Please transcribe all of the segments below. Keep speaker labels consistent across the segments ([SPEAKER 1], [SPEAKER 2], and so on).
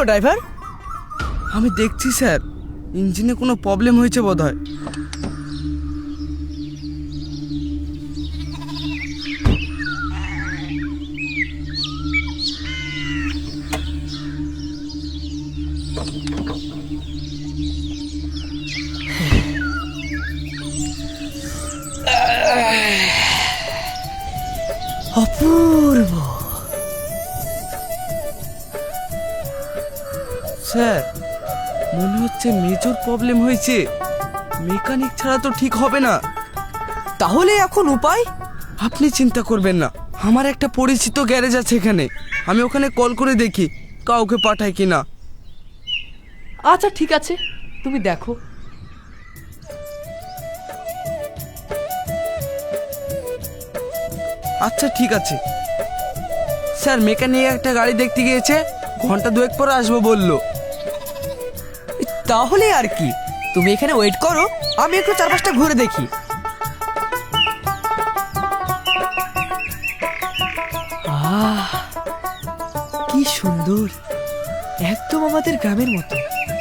[SPEAKER 1] Driver?
[SPEAKER 2] আমি দেখছি sir, ইঞ্জিনে কোনো প্রবলেম হয়েছে বোধহয়।
[SPEAKER 1] অপূর্ব।
[SPEAKER 2] স্যার, মনে হচ্ছে মেজর প্রবলেম হয়েছে। মেকানিক ছাড়া তো ঠিক হবে না।
[SPEAKER 1] তাহলে এখন উপায়?
[SPEAKER 2] আপনি চিন্তা করবেন না, আমার একটা পরিচিত গ্যারেজ আছে এখানে। আমি ওখানে কল করে দেখি কাউকে পাঠায় কিনা।
[SPEAKER 3] আচ্ছা ঠিক আছে, তুমি দেখো।
[SPEAKER 2] আচ্ছা ঠিক আছে স্যার, মেকানিক একটা গাড়ি দেখতে গিয়েছে, ঘন্টা দুয়েক পরে আসবো বললো।
[SPEAKER 1] তাহলে আর কি, তুমি এখানে ওয়েট করো, আমি একটু চারপাশটা ঘুরে দেখি। আহ, কি সুন্দর, একদম আমাদের গ্রামের মতো।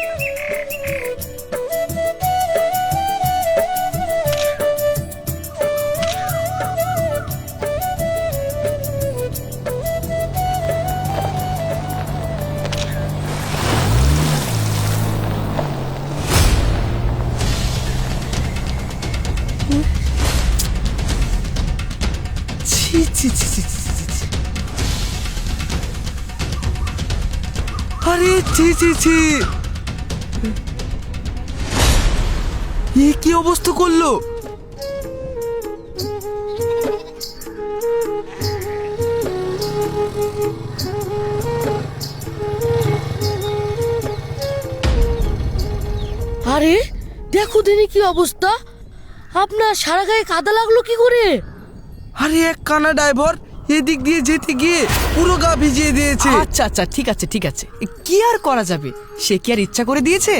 [SPEAKER 1] ছি ছি ছি ছি ছি ছি ছি।
[SPEAKER 2] আরে ছি ছি ছি, এ কি অবস্থা করলো?
[SPEAKER 4] আরে দেখো দিনে কি অবস্থা, আপনার সারা গায়ে কাদা লাগলো কি করে?
[SPEAKER 2] আরে এক কানা ড্রাইভার এদিক দিয়ে যেতে গিয়ে পুরো গা ভিজিয়ে দিয়েছে।
[SPEAKER 1] আচ্ছা আচ্ছা ঠিক আছে ঠিক আছে, কি আর করা যাবে, সে কি আর ইচ্ছা করে দিয়েছে?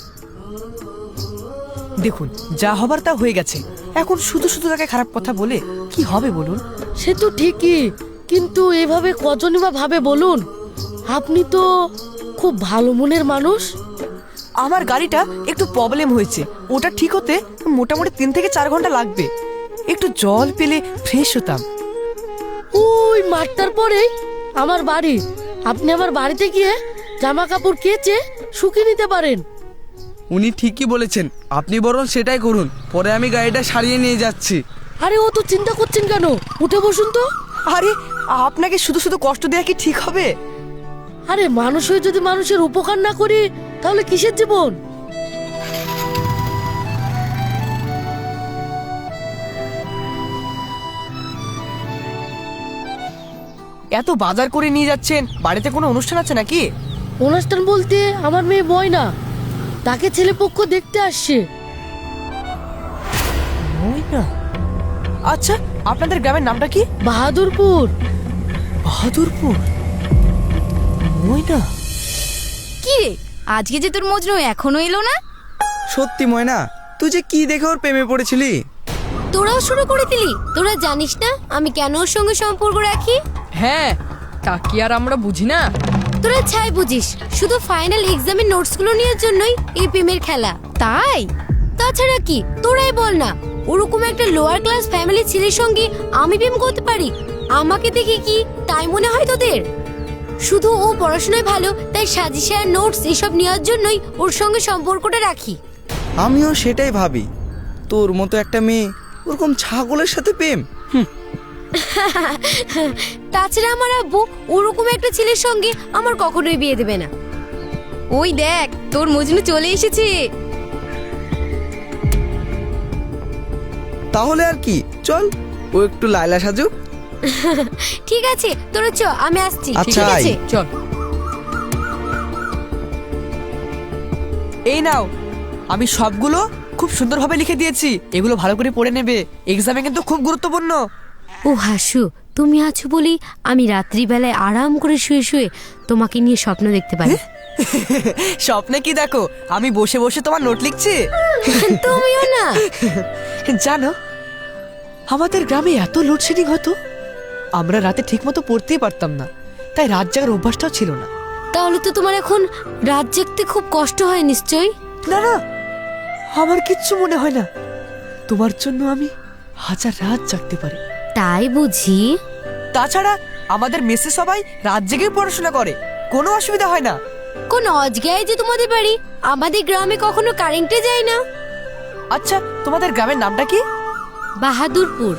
[SPEAKER 1] দেখুন, যা হবার তা হয়ে গেছে, এখন শুধু শুধু তাকে খারাপ কথা বলে কি হবে বলুন?
[SPEAKER 4] সে তো ঠিকই, কিন্তু এভাবে কজনই বা ভাবে বলুন? আপনি তো খুব ভালো মনের মানুষ।
[SPEAKER 1] আমার গাড়িটা একটু প্রবলেম হয়েছে, ওটা ঠিক হতে মোটামুটি 3 থেকে 4 ঘন্টা লাগবে। একটু জল পেলে ফ্রেশ হতাম।
[SPEAKER 4] ওই মাঠটার পরেই আমার বাড়ি, আপনি আমার বাড়িতে গিয়ে জামা কাপড় কেচে শুকিয়ে নিতে পারেন।
[SPEAKER 2] উনি ঠিকই বলেছেন, আপনি বরং সেটাই করুন, পরে আমি গাড়িটা সারিয়ে নিয়ে যাচ্ছি।
[SPEAKER 4] আরে ও তো চিন্তা করছেন কেন, উঠে বসুন তো।
[SPEAKER 1] আরে আপনাকে শুধু শুধু কষ্ট দেওয়া কি ঠিক হবে?
[SPEAKER 4] আরে মানুষ হয়ে যদি মানুষের উপকার না করি তাহলে কিসের জীবন?
[SPEAKER 1] এত বাজার করে নিয়ে যাচ্ছেন, বাড়িতে কোনো অনুষ্ঠান আছে নাকি?
[SPEAKER 4] অনুষ্ঠান বলতে আমার মেয়ে ময়না, তাকে ছেলেপক্ষ দেখতে আসছে।
[SPEAKER 1] ময়না? আচ্ছা, আপনাদের গ্রামের নামটা কি?
[SPEAKER 4] বাহাদুরপুর।
[SPEAKER 1] বাহাদুরপুর? ময়না?
[SPEAKER 5] কি রে, আজকে যে তোর মজনু এখনো এলো না?
[SPEAKER 2] সত্যি ময়না, তুই যে কি দেখে ওর প্রেমে পড়েছিলি?
[SPEAKER 5] তোরাও শুরু করে দিলি? তোরা জানিস না আমি কেন ওর সঙ্গে সম্পর্ক রাখি?
[SPEAKER 3] হ্যাঁ, তা কি আর আমরা বুঝি না?
[SPEAKER 5] তোরা ছাই বুঝিস, শুধু ফাইনাল এক্সামের নোটসগুলো নেওয়ার জন্যই এই প্রেমের খেলা, তাই? তাছাড়া কি, তোরাই বল না, ওরকম একটা লোয়ার ক্লাস ফ্যামিলি ছেলের সঙ্গে আমি প্রেম করতে পারি? আমাকে দেখে কি তাই মনে হয় তোদের? শুধু ও পড়াশোনায় ভালো তাই সাজেশন নোটস এসব নেওয়ার জন্যই ওর সঙ্গে সম্পর্কটা রাখি।
[SPEAKER 2] আমিও সেটাই ভাবি, তোর মতো একটা মেয়ে ওরকম ছাগলের সাথে প্রেম।
[SPEAKER 5] তাছাড়া আমার আব্বু ওরকম একটা ছেলের সঙ্গে আমার কখনোই বিয়ে দেবে না। ওই দেখ, তোর মজনু চলে এসেছে।
[SPEAKER 2] তাহলে আর কি, চল ও একটু লায়লা সাজুক।
[SPEAKER 5] ঠিক আছে, তোরা চ, আমি আসছি।
[SPEAKER 2] আচ্ছা,
[SPEAKER 5] ঠিক আছে,
[SPEAKER 2] আয়।
[SPEAKER 3] চল।
[SPEAKER 1] এই নাও, আমি সবগুলো খুব সুন্দরভাবে লিখে দিয়েছি, এগুলো ভালো করে পড়ে নেবে, এক্সামে কিন্তু খুব গুরুত্বপূর্ণ।
[SPEAKER 5] ও হাসু, তুমি আছো বলেই আমি রাত্রিবেলায় আরাম করে শুয়ে শুয়ে তোমাকে নিয়ে স্বপ্ন দেখতে পারি।
[SPEAKER 1] স্বপ্নে কি দেখো, আমি বসে বসে তোমার নোট লিখছি।
[SPEAKER 5] তুমিও না।
[SPEAKER 1] জানো, আমাদের গ্রামে এত লোডশেডিং হতো, আমরা রাতে ঠিক মতো পড়তেই পারতাম না, তাই রাত জাগার অভ্যাসটাও ছিল না।
[SPEAKER 5] তাহলে তো তোমার এখন রাত জাগতে খুব কষ্ট হয় নিশ্চয়ই।
[SPEAKER 1] না না, আমার কিচ্ছু মনে হয় না। তোমার জন্য আমি হাজার রাত জাগতে পারি।
[SPEAKER 5] তাই বুঝি?
[SPEAKER 1] তাছাড়া আমাদের মেসে সবাই রাত জেগেই পড়াশোনা করে, কোনো অসুবিধা হয় না।
[SPEAKER 5] কোন অজগায় যে তোমাদের বাড়ি, আমাদের গ্রামে কখনো কারেন্টে যায় না।
[SPEAKER 1] আচ্ছা, তোমাদের গ্রামের নামটা কি?
[SPEAKER 5] বাহাদুরপুর।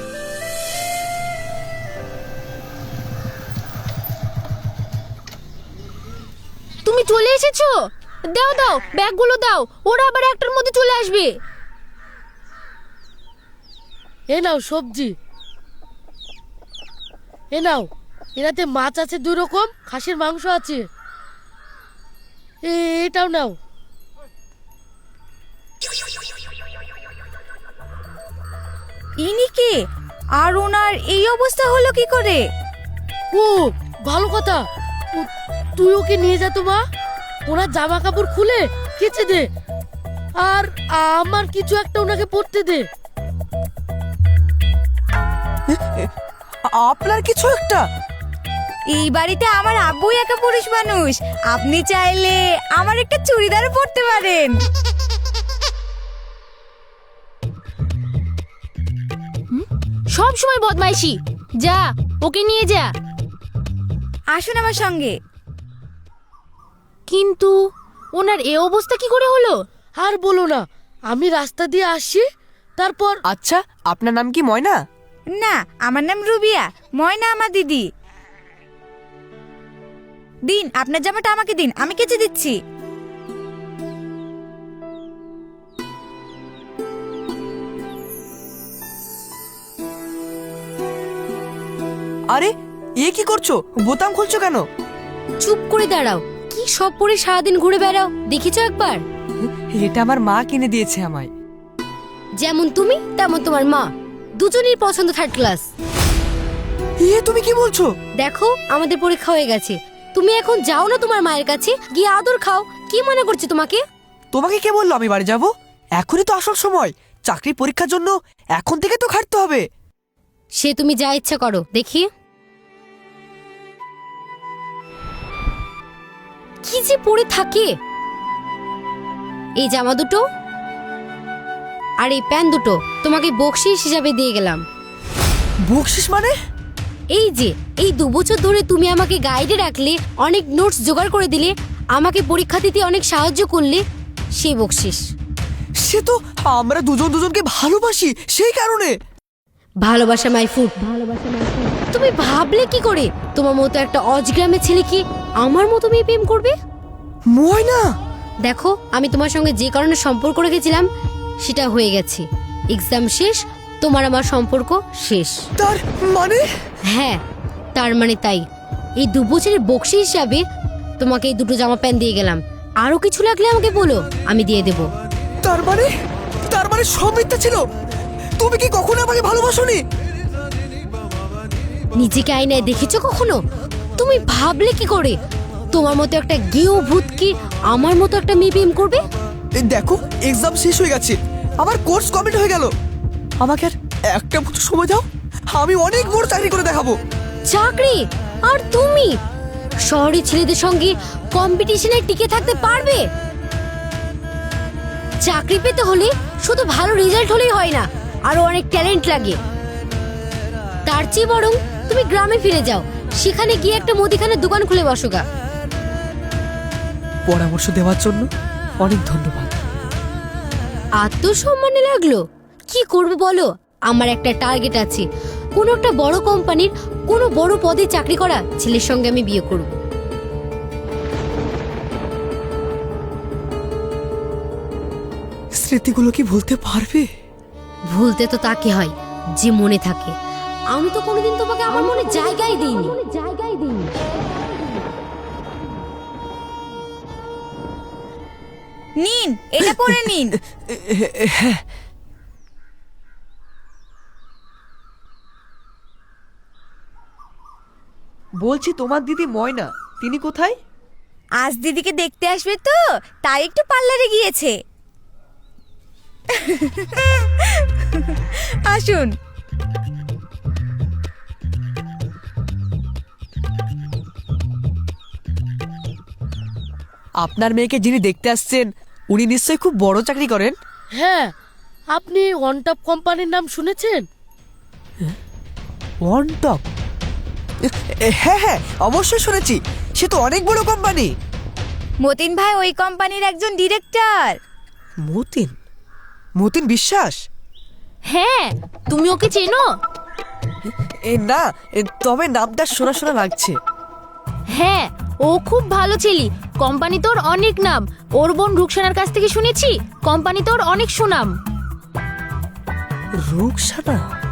[SPEAKER 5] তুমি চলে এসেছো? দাও দাও, ব্যাগগুলো দাও, ওরা আবার একটার মধ্যে চলে আসবে।
[SPEAKER 4] এ নাও সবজি, এ নাও। এটাতে মাছ আছে 2 রকম, খাসির মাংস আছে। এটাও নাও।
[SPEAKER 6] ইনি কে? আর ওনার এই অবস্থা হলো কি করে?
[SPEAKER 4] ও ভালো কথা, তুই ওকে নিয়ে যা তো মা। ওনার জামা কাপড় খুলে কেচে দে, আর আমার কিছু একটা ওনাকে পরতে দে।
[SPEAKER 1] আপনার কিছু একটা?
[SPEAKER 6] এই বাড়িতে আমার আব্বুই একা পুরুষ মানুষ, আপনি চাইলে আমার একটা চুড়িদারও পরতে পারেন।
[SPEAKER 5] সব সময় বদমাইশি। যা, ওকে নিয়ে যা।
[SPEAKER 6] আসুন আমার সঙ্গে।
[SPEAKER 5] কিন্তু ওনার এ অবস্থা কি করে হলো?
[SPEAKER 4] আর বলো না, আমি রাস্তা দিয়ে আসছি, তারপর
[SPEAKER 1] আচ্ছা, আপনার নাম কি ময়না?
[SPEAKER 6] না, আমার নাম রুবিয়া, ময়না আমার দিদি। দিন, আপনার জামাটা আমাকে দিন, আমি কেচে দিচ্ছি।
[SPEAKER 1] আরে, এ কি করছো? বোতাম খুলছো কেন?
[SPEAKER 5] চুপ করে দাঁড়াও। কি সব পরে সারাদিন ঘুরে বেড়াও, দেখেছো একবার?
[SPEAKER 1] এটা আমার মা কিনে দিয়েছে আমায়।
[SPEAKER 5] যেমন তুমি তেমন তোমার মা, দুজনেই পছন্দ 3rd ক্লাস।
[SPEAKER 1] এ তুমি কি বলছো?
[SPEAKER 5] দেখো, আমাদের পরীক্ষা হয়ে গেছে, তুমি এখন যাও না তোমার মায়ের কাছে, গিয়ে আদর খাও। কি মনে করছে তোমাকে?
[SPEAKER 1] তোমাকে কে বললো আমি বাড়ি যাব? এখনই তো আসল সময়, চাকরির পরীক্ষার জন্য এখন থেকে তো খাটতে হবে।
[SPEAKER 5] সে তুমি যা ইচ্ছা করো, দেখি। কি যে পরে থাকে। এই জামা দুটো আর এই প্যান্ট দুটো তোমাকে বকশিস হিসাবে দিয়ে গেলাম।
[SPEAKER 1] বকশিস মানে?
[SPEAKER 5] এই যে এই 2 বছর ধরে তুমি আমাকে গাইডে রাখলে, অনেক নোটস জোগাড় করে দিলে, আমাকে পরীক্ষা দিতে অনেক সাহায্য করলে, সেই বকশিস।
[SPEAKER 1] সে তো আমরা দুজন দুজনকে ভালোবাসি, সেই কারণে।
[SPEAKER 5] ভালোবাসা মাই ফুড। তুমি ভাবলে কি করে তোমার মতো একটা অজগ্রামের ছেলে কি আমার মতো মেয়ে প্রেম করবে?
[SPEAKER 1] ময়না,
[SPEAKER 5] দেখো, আমি তোমার সঙ্গে যে কারণে সম্পর্ক রেখেছিলাম সেটা হয়ে গেছে। এক্সাম শেষ, তোমার আমার সম্পর্ক শেষ।
[SPEAKER 1] তার মানে?
[SPEAKER 5] হ্যাঁ, তার মানে তাই। এই 2 বছরের বকশি হিসাবে তোমাকে এই 2টো জামা প্যান্ট দিয়ে গেলাম। আরো কিছু লাগলে আমাকে বলো, আমি দিয়ে দেব।
[SPEAKER 1] তার মানে সব মিথ্যা ছিল? তুমি কি কখনো আমাকে ভালোবাসোনি?
[SPEAKER 5] নিজেকে আয়নায় দেখেছো কখনো? তুমি ভাবলে কি করে তোমার মতো একটা গেও ভূত কি আমার মতো একটা মেয়ে প্রেম করবে?
[SPEAKER 1] এই দেখো, এক্সাম শেষ হয়ে গেছে, আমার কোর্স কমপ্লিট হয়ে গেল। আমাকে আর একটা বছর সময় দাও, আমি অনেক বড় চাকরি করে দেখাবো।
[SPEAKER 5] চাকরি? আর তুমি শহরে ছেলেদের সঙ্গে কম্পিটিশনে টিকে থাকতে পারবে? চাকরি পেতে হলে শুধু ভালো রেজাল্ট হলেই হয় না, আরো অনেক ট্যালেন্ট লাগে। তার চেয়ে বরং তুমি গ্রামে ফিরে যাও, সেখানে গিয়ে একটা মুদিখানার দোকান খুলে বসো গা।
[SPEAKER 1] পরামর্শ দেওয়ার জন্য অনেক ধন্যবাদ।
[SPEAKER 5] আত্মসম্মানে লাগলো? কি করবে বলো? আমার একটা টার্গেট আছে, কোনো একটা বড় কোম্পানির কোনো বড় পদে চাকরি করা ছেলের সঙ্গে আমি বিয়ে করব।
[SPEAKER 1] স্মৃতিগুলো কি ভুলতে পারবে?
[SPEAKER 5] ভুলতে তো তাকে হয় যে মনে থাকে। আমি তো কোনোদিন তোমাকে আমার মনে জায়গাই দিইনি।
[SPEAKER 6] নিন, এটা পরে নিন।
[SPEAKER 1] বলছি, তোমার দিদি ময়না, তিনি কোথায়?
[SPEAKER 6] আজ দিদিকে দেখতে আসবে তো, তাই একটু পার্লারে গিয়েছে। আসুন।
[SPEAKER 1] আপনার মেয়েকে যিনি দেখতে আসছেন উনি নিশ্চয়ই খুব বড় চাকরি করেন।
[SPEAKER 4] হ্যাঁ, আপনি ওয়ান টপ কোম্পানির নাম শুনেছেন?
[SPEAKER 1] One top? হ্যাঁ হ্যাঁ, অবশ্যই শুনেছি। সে তো অনেক বড় কোম্পানি।
[SPEAKER 6] মতিন ভাই ওই কোম্পানির একজন ডিরেক্টর।
[SPEAKER 1] মতিন? মতিন বিশ্বাস?
[SPEAKER 5] হ্যাঁ, তুমি ওকে চেনো?
[SPEAKER 1] না, তবে নামটা শোনা শোনা লাগছে।
[SPEAKER 5] হ্যাঁ, ও খুব ভালো ছেলে। কোম্পানি তোর অনেক নাম। ওর বোন রুকসানার কাছ থেকে শুনেছি কোম্পানি তোর অনেক সুনাম।
[SPEAKER 1] রুকসানা?